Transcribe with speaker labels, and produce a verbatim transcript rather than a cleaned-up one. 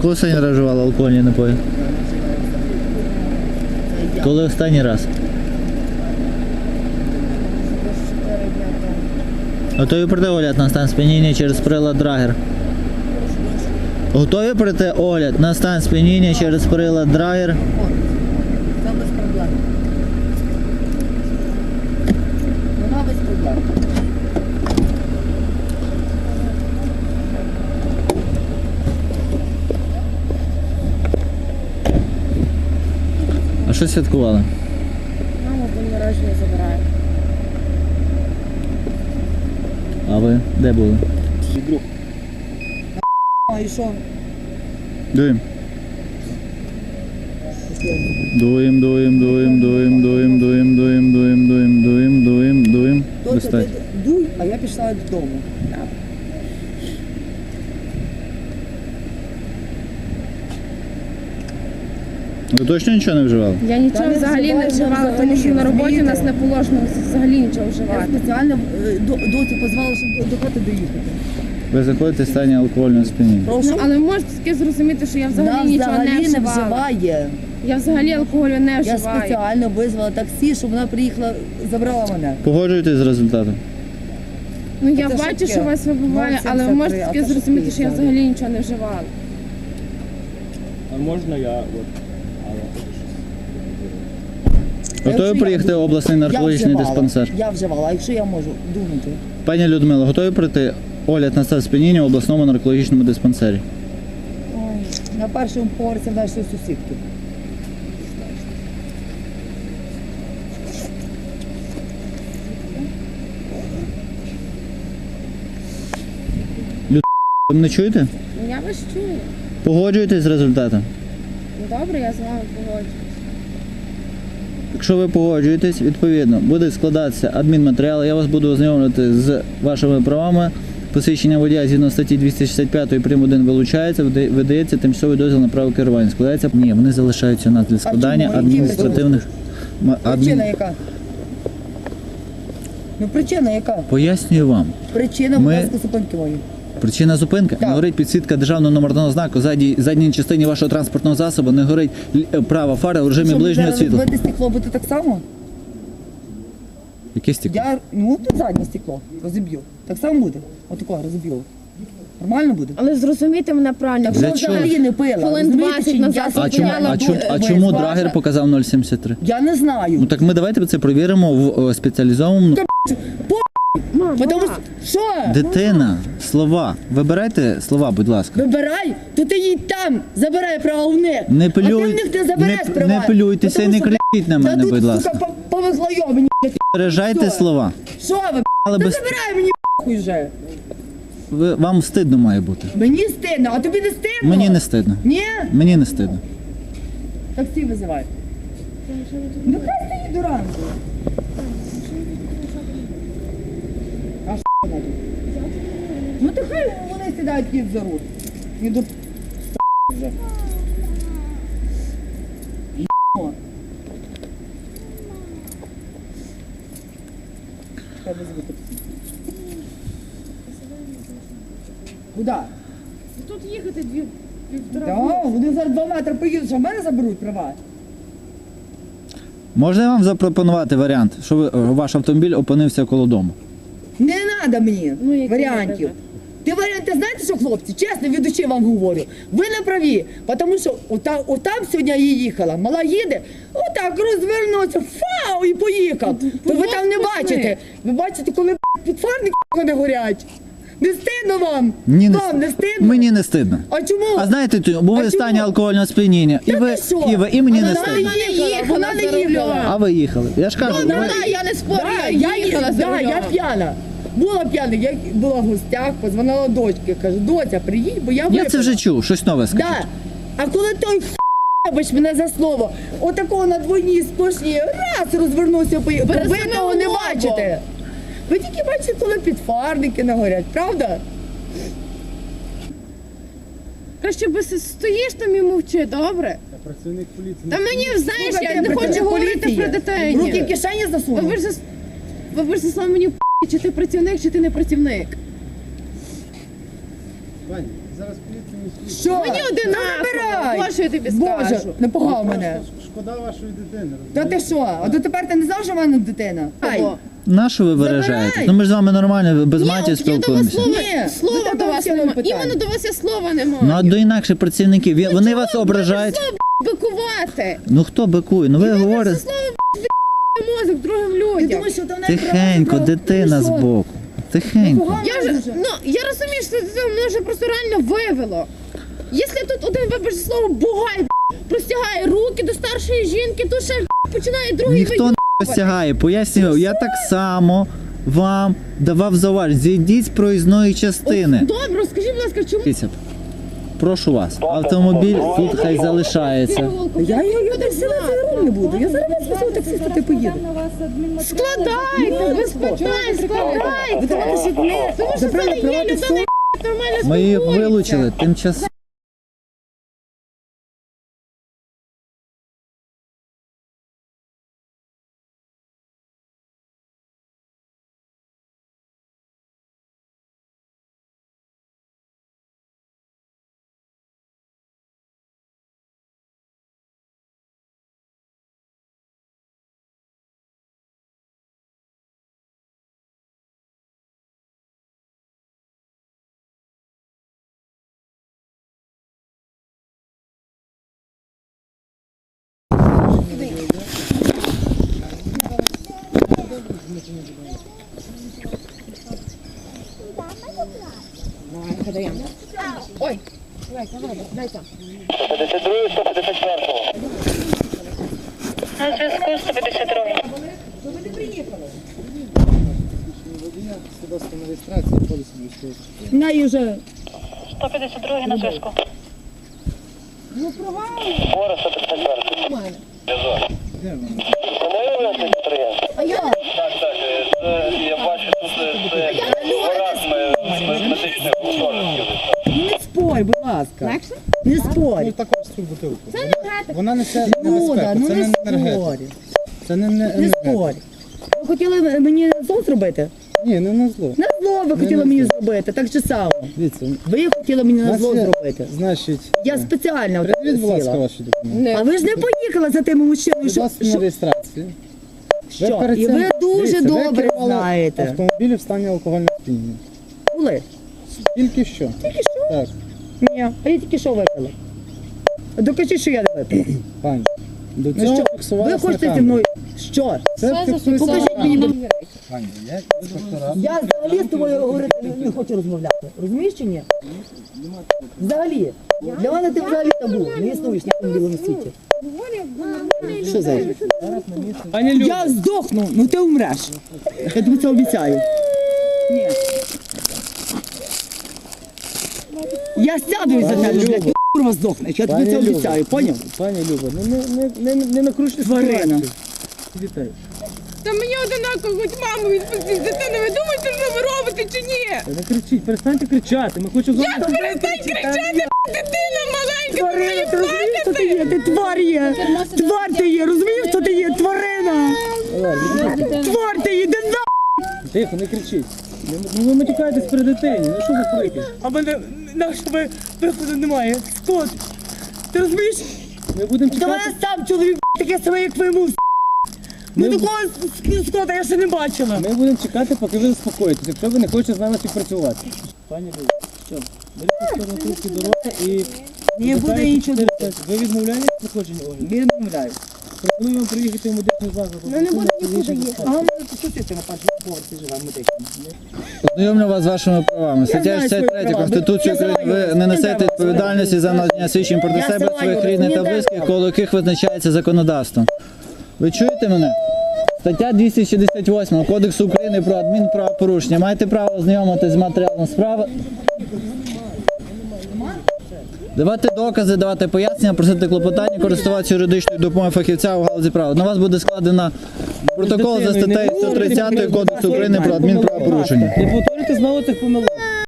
Speaker 1: Коли останній раз вживали алкогольні напої? Коли останній раз? Готові пройти огляд на стан сп'яніння через прилад Драгер? Готові пройти огляд на стан сп'яніння через прилад Драгер?
Speaker 2: Це без проблем. Вона без проблем.
Speaker 1: А що святкували?
Speaker 3: Мама день народження забирає.
Speaker 1: А ви де були?
Speaker 2: А і що?
Speaker 1: Дуєм. Дуєм, дуєм, дуєм, дуєм, дуєм, дуєм, дуєм, дуєм, дуєм, дуєм, дуєм, дуєм.
Speaker 2: Тобто
Speaker 1: Достать.
Speaker 2: ти дуй, а я пішла додому.
Speaker 1: Ви точно нічого не вживали?
Speaker 3: Я нічого
Speaker 2: не
Speaker 3: взагалі не
Speaker 2: вживаю,
Speaker 3: вживала,
Speaker 2: взагалі,
Speaker 3: тому що на роботі у нас
Speaker 2: розумієте?
Speaker 3: не положено взагалі нічого
Speaker 2: Я
Speaker 3: вживати.
Speaker 2: спеціально е, до- доцю позвала, щоб до- до хати доїхати.
Speaker 1: Ви заходите в стані алкогольного сп'яніння.
Speaker 2: Прошу.
Speaker 3: Ну, але ви можете таки зрозуміти, що я
Speaker 2: Вона
Speaker 3: взагалі нічого не
Speaker 2: взагалі не
Speaker 3: вживала.
Speaker 2: вживає.
Speaker 3: Я взагалі алкоголю не
Speaker 2: Я
Speaker 3: вживаю.
Speaker 2: спеціально визвала таксі, щоб вона приїхала, забрала мене.
Speaker 1: Погоджуєтесь з результатом?
Speaker 3: Ну я
Speaker 2: А це що
Speaker 3: бачу,
Speaker 2: таке?
Speaker 3: що вас вибиває, але ви
Speaker 2: ноль сімдесят три,
Speaker 3: можете
Speaker 2: а
Speaker 3: таки
Speaker 2: це що
Speaker 3: зрозуміти, що я
Speaker 2: таке?
Speaker 3: взагалі нічого не вживала.
Speaker 4: А можна я от.
Speaker 1: Готові
Speaker 2: Якщо
Speaker 1: приїхати
Speaker 2: я-
Speaker 1: в обласний
Speaker 2: Я
Speaker 1: наркологічний
Speaker 2: вживала.
Speaker 1: диспансер?
Speaker 2: Я вживала, а якщо я можу думати?
Speaker 1: Пані Людмила, готові пройти огляд на стан сп'яніння в обласному наркологічному диспансері?
Speaker 2: Ой, на першому поверсі в нашої сусідки.
Speaker 1: Ви мене чуєте?
Speaker 3: Ну я вас чую.
Speaker 1: Погоджуєтесь з результатом?
Speaker 3: Ну добре, я з вами погоджуюсь.
Speaker 1: Якщо ви погоджуєтесь, відповідно, буде складатися адмінматеріал, я вас буду ознайомлювати з вашими правами. Посвідчення водія згідно статті двісті шістдесят п'ять прим. один вилучається, вида- видається тимчасовий дозвіл на право керування. Складається? Ні, вони залишаються у нас для складання
Speaker 2: чому?
Speaker 1: адміністративних... ма-
Speaker 2: Причина
Speaker 1: адмін-
Speaker 2: яка? Ну причина яка?
Speaker 1: Пояснюю вам.
Speaker 2: Причина,
Speaker 1: Ми-
Speaker 2: будь ласка, зупинки мої.
Speaker 1: Причина зупинки.
Speaker 2: Так.
Speaker 1: Не горить підсвітка державного номерного знаку. Задній, задній частині вашого транспортного засобу не горить л- права фара у режимі
Speaker 2: Щоб
Speaker 1: ближнього
Speaker 2: зараз
Speaker 1: світла.
Speaker 2: розбите стекло буде так само?
Speaker 1: Яке стекло?
Speaker 2: Я, ну тут заднє стекло розіб'ю. Так само буде? Отакого розіб'ю. Нормально буде?
Speaker 3: Але зрозумійте мене правильно.
Speaker 2: Так
Speaker 1: Для
Speaker 2: що
Speaker 1: чого?
Speaker 2: взагалі не пила.
Speaker 3: Хвилин
Speaker 2: розумієте,
Speaker 3: двадцять
Speaker 2: чи ні?
Speaker 3: назад
Speaker 2: Я
Speaker 1: А чому,
Speaker 3: стояла
Speaker 1: а
Speaker 2: спеціально
Speaker 1: чому, а
Speaker 2: бу-
Speaker 1: чому
Speaker 2: бу-
Speaker 1: драгер показав нуль сімдесят три?
Speaker 2: Я не знаю.
Speaker 1: Ну так ми давайте це перевіримо в е, спеціалізованому.
Speaker 3: Мама,
Speaker 2: Потому що, що?
Speaker 1: Дитина, слова. Вибирайте слова, будь ласка.
Speaker 2: Вибирай, то ти їдь там, забирай права в них.
Speaker 1: Не
Speaker 2: А ти в
Speaker 1: плюй,
Speaker 2: них не забереш
Speaker 1: не,
Speaker 2: права.
Speaker 1: не плюйтеся і
Speaker 2: Потому
Speaker 1: не
Speaker 2: що,
Speaker 1: кричіть на
Speaker 2: блядь,
Speaker 1: мене,
Speaker 2: та
Speaker 1: будь
Speaker 2: тут,
Speaker 1: ласка.
Speaker 2: сука, по- повезло мені.
Speaker 1: Бережайте
Speaker 2: Що?
Speaker 1: слова.
Speaker 2: Що ви,
Speaker 1: Але
Speaker 2: ти
Speaker 1: без...
Speaker 2: забирай мені хуй вже.
Speaker 1: ви, вам стидно має бути.
Speaker 2: Мені стидно, а тобі не стидно?
Speaker 1: Мені не стидно.
Speaker 2: Ні?
Speaker 1: Мені не стидно.
Speaker 2: Таксі визивай. Ну хай стоїть до ранку. А що надо? Ну то хай вони сідають їдь за руль. Не до вже. Єбано. Хай визивай таксі. Куда?
Speaker 3: тут їхати дві півтора.
Speaker 2: Да, вони зараз два метри поїдуть, що в мене заберуть права.
Speaker 1: Можна я вам запропонувати варіант, що ви, ваш автомобіль опинився коло дому?
Speaker 2: Не треба мені
Speaker 3: Ну, які
Speaker 2: варіантів.
Speaker 3: варіанти?
Speaker 2: Ти варіанти знаєте, що, хлопці, чесно, від душі вам говорю. Ви не праві, тому що ота, отам сьогодні я їхала, мала їде, отак розвернувся, фау, і поїхав. То ви там не бачите. Ви бачите, коли б**, підфарники не горять. Не стидно вам?
Speaker 1: Ні, не
Speaker 2: Вам
Speaker 1: стидно.
Speaker 2: не стидно?
Speaker 1: Мені не стидно.
Speaker 2: А чому?
Speaker 1: А знаєте, ти- були
Speaker 2: А
Speaker 1: в стані
Speaker 2: чому?
Speaker 1: алкогольного сп'яніння. І
Speaker 2: Та
Speaker 1: ви,
Speaker 2: ти що?
Speaker 1: і ви, і мені не
Speaker 2: Вона
Speaker 1: стидно.
Speaker 2: не їхала, вона не
Speaker 3: за рулем.
Speaker 2: їхала.
Speaker 1: А ви їхали. Я ж кажу,
Speaker 2: Вона,
Speaker 1: ви-
Speaker 3: я не спорю,
Speaker 2: Да,
Speaker 3: я
Speaker 2: я,
Speaker 3: їхала за
Speaker 2: да,
Speaker 3: рулем.
Speaker 2: я п'яна. Була п'яна, я була в гостях, позвонила дочці, каже, доця, приїдь, бо я випила.
Speaker 1: я це вже чув, щось нове скажіть.
Speaker 2: Да. А коли той вибач мене за слово, отакого на двойній сплошній раз розвернувся, поїхав, то ви
Speaker 3: Пересуни
Speaker 2: того не
Speaker 3: голову.
Speaker 2: бачите. Ви тільки бачите, коли підфарники нагорять, правда?
Speaker 3: Краще би си- стоїш там і мовчи, добре?
Speaker 4: Працівник поліції.
Speaker 3: Та мені, знаєш,
Speaker 2: Слухайте,
Speaker 3: я не хочу
Speaker 2: працівник
Speaker 3: говорити
Speaker 2: поліції.
Speaker 3: про дітей.
Speaker 2: Руки в кишені засунув.
Speaker 3: Ви ж зас- ви ж заслав мені в чи ти працівник, чи ти не працівник.
Speaker 4: Вань, Зараз поліція не слід.
Speaker 2: Що?
Speaker 3: Мені
Speaker 2: Та
Speaker 3: одинаково.
Speaker 2: забирай.
Speaker 3: Боже, я тобі
Speaker 2: Боже,
Speaker 3: скажу.
Speaker 2: не погав мене.
Speaker 4: Шкода вашої дитини,
Speaker 2: Та
Speaker 4: розумієте?
Speaker 2: ти що? А дотепер ти не знав, що в мене дитина? Ай.
Speaker 3: Кого?
Speaker 1: На що ви виражаєтесь?
Speaker 2: Забирай.
Speaker 1: Ну ми ж з вами нормально, без
Speaker 3: Ні,
Speaker 1: матів
Speaker 3: от я до вас
Speaker 1: спілкуємося.
Speaker 3: слова,
Speaker 2: Ні, до
Speaker 3: слова
Speaker 2: тебе
Speaker 3: до вас
Speaker 2: взагалі
Speaker 3: немає.
Speaker 2: питань.
Speaker 3: Іменно до вас я слова не маю.
Speaker 1: Ну а до інакших працівників, ви- вони вас ображають.
Speaker 3: Бикувати.
Speaker 1: Ну хто бикує? Ну ви говорите
Speaker 3: Слово мозок другим
Speaker 2: Ти
Speaker 3: людям.
Speaker 2: думаєш, що там
Speaker 1: тихенько, дитина збоку. Тихенько.
Speaker 3: Я вже, ну, я розумію, що це мене вже просто реально вивело. Якщо тут один вибачте слово бугай, б**, простягає руки до старшої жінки, то ще б**, починає другий
Speaker 1: Ніхто не розтягає. Пояснюю, я так само вам давав зауваження. Зійдіть з проїзної частини.
Speaker 3: Добре, скажіть, будь ласка, чому
Speaker 1: Дивіться, прошу вас, автомобіль тут хай залишається.
Speaker 2: Я його я так сила за руль не буду. Я зараз вас везу таксиста, ти поїду.
Speaker 3: складайте, без питань, складайте.
Speaker 2: Ви давайте ще не
Speaker 3: Тому що це
Speaker 2: забрали
Speaker 3: не є
Speaker 2: приватне
Speaker 3: людина,
Speaker 2: слово.
Speaker 3: яка нормально
Speaker 1: Ми їх
Speaker 3: спілкується.
Speaker 1: вилучили тимчасово.
Speaker 5: На зв'язку сто п'ятдесят два.
Speaker 4: Свідоцтво на реєстрацію, поліс військовий.
Speaker 2: Най уже.
Speaker 5: сто п'ятдесят два на зв'язку. Гора сто п'ятдесят два.
Speaker 4: Де вона?
Speaker 5: Це не виявляється підприємство?
Speaker 2: А я?
Speaker 5: Так, так. Це, я бачу, тут це гараж медичних гуртожитків.
Speaker 2: Ну не спорь, будь ласка. Не спорь.
Speaker 4: Ну також цю бутилку.
Speaker 3: Це енергетика.
Speaker 4: Вона несе
Speaker 2: Люда,
Speaker 4: небезпеку,
Speaker 2: ну
Speaker 4: це
Speaker 2: не
Speaker 4: не енергетика.
Speaker 2: спорь.
Speaker 4: Це не, не
Speaker 2: Не
Speaker 4: енергетика.
Speaker 2: спорь. Ви хотіли мені зло зробити?
Speaker 4: Ні, не на зло.
Speaker 2: На зло ви хотіли
Speaker 4: на
Speaker 2: мені
Speaker 4: зло.
Speaker 2: зробити, так же само.
Speaker 4: Дивіться,
Speaker 2: Ви хотіли мені на
Speaker 4: нас
Speaker 2: зло
Speaker 4: є,
Speaker 2: зробити.
Speaker 4: значить,
Speaker 2: Я спеціально отак
Speaker 4: приведіть, будь ласка,
Speaker 2: сіла.
Speaker 4: ваші документи.
Speaker 2: А ви ж не поїхали за тими мужчиною,
Speaker 4: Будь
Speaker 2: що,
Speaker 4: ласка, на
Speaker 2: що,
Speaker 4: реєстрацію.
Speaker 2: що?
Speaker 4: перед
Speaker 2: І
Speaker 4: цим-
Speaker 2: ви дуже
Speaker 4: дивіться, ви
Speaker 2: добре
Speaker 4: керували
Speaker 2: знаєте.
Speaker 4: автомобілі в стані алкогольного сп'яніння.
Speaker 2: Були?
Speaker 4: Тільки що.
Speaker 2: Тільки що?
Speaker 4: Так,
Speaker 2: Ні, а я тільки що випила. Докажіть, що я не випила.
Speaker 4: пані. До
Speaker 2: Ну
Speaker 4: цього
Speaker 2: що,
Speaker 4: фіксувалося
Speaker 2: ви хочете
Speaker 4: на
Speaker 2: зі
Speaker 4: камеру.
Speaker 2: мною? Що?
Speaker 4: Це фіксується
Speaker 2: Покажіть
Speaker 4: на
Speaker 2: мені.
Speaker 4: камеру. Пані, я інспектора.
Speaker 2: Я взагалі з тобою говорити не, не хочу розмовляти. Розумієш чи ні? Взагалі. Для мене ти взагалі табу. Не існуєш на цьому білому світі. Що за? Я здохну, ну ти умреш. Я тобі це обіцяю. Ні. Я сяду за тебе, блядь, ти курва здохнеш. Я тобі
Speaker 4: Пані
Speaker 2: це
Speaker 4: Люба.
Speaker 2: обіцяю, поняв?
Speaker 4: Пані Люба, ну не, не, не, не накручуйте
Speaker 2: Тварина.
Speaker 4: ситуацію. Вітаю.
Speaker 3: Та мені одинаково, хоч маму відпустіть з дитини. Ви думаєте, що ви робите чи ні?
Speaker 4: Не кричіть, перестаньте кричати. Ми хочемо з вами.
Speaker 3: Перестань кричати, дитина маленька,
Speaker 2: Тварина, ти розумієш, хто ти є? Ти твар є. Твар ти є, розумієш, хто ти є? Тварина. Твар ти є, де на...
Speaker 4: Тихо, не кричіть. Ну, Ну ви матюкаєтесь при дитині. Ну що за крики?
Speaker 2: А мене, на що ви, виходу немає? Скот. Ти розумієш?
Speaker 4: Ми будемо
Speaker 2: Та
Speaker 4: чекати.
Speaker 2: мене сам чоловік таке саме, як ви мув. Ну такого с- скота я ще не бачила.
Speaker 4: Ми будемо чекати, поки ви заспокоїтесь, якщо ви не хочете з нами співпрацювати. Пані Люба, що? Беріть сторону трубки дороги і...
Speaker 2: Не буде іншого.
Speaker 4: Ви відмовляєтесь проходження огляду?
Speaker 2: Я не вмираю.
Speaker 4: Пропоную вам приїхати в медичний заклад.
Speaker 2: Ну не буде нікуди їхати. А мене тут що ти на першому поверсі живе в медичному?
Speaker 1: Ознайомлю вас з вашими правами. Стаття
Speaker 2: знаю свої
Speaker 1: шістдесят три
Speaker 2: права.
Speaker 1: Конституції
Speaker 2: Я
Speaker 1: України.
Speaker 2: знаю.
Speaker 1: Ви не несете
Speaker 2: Мені
Speaker 1: відповідальності за надання свідчень проти
Speaker 2: Я
Speaker 1: себе,
Speaker 2: знаю.
Speaker 1: своїх рідних
Speaker 2: Мені
Speaker 1: та
Speaker 2: треба.
Speaker 1: близьких, коло яких визначається законодавством. Ви чуєте мене? Стаття двісті шістдесят вісім Кодексу України про адмінправопорушення. Маєте право ознайомитися з матеріалом справи. Давати докази, давати пояснення, просити клопотання, користуватися юридичною допомогою фахівця у галузі права. На вас буде складено протокол за статтею сто тридцять Кодексу України про адмінправопорушення.
Speaker 4: Не повторюйте знову цих помилок.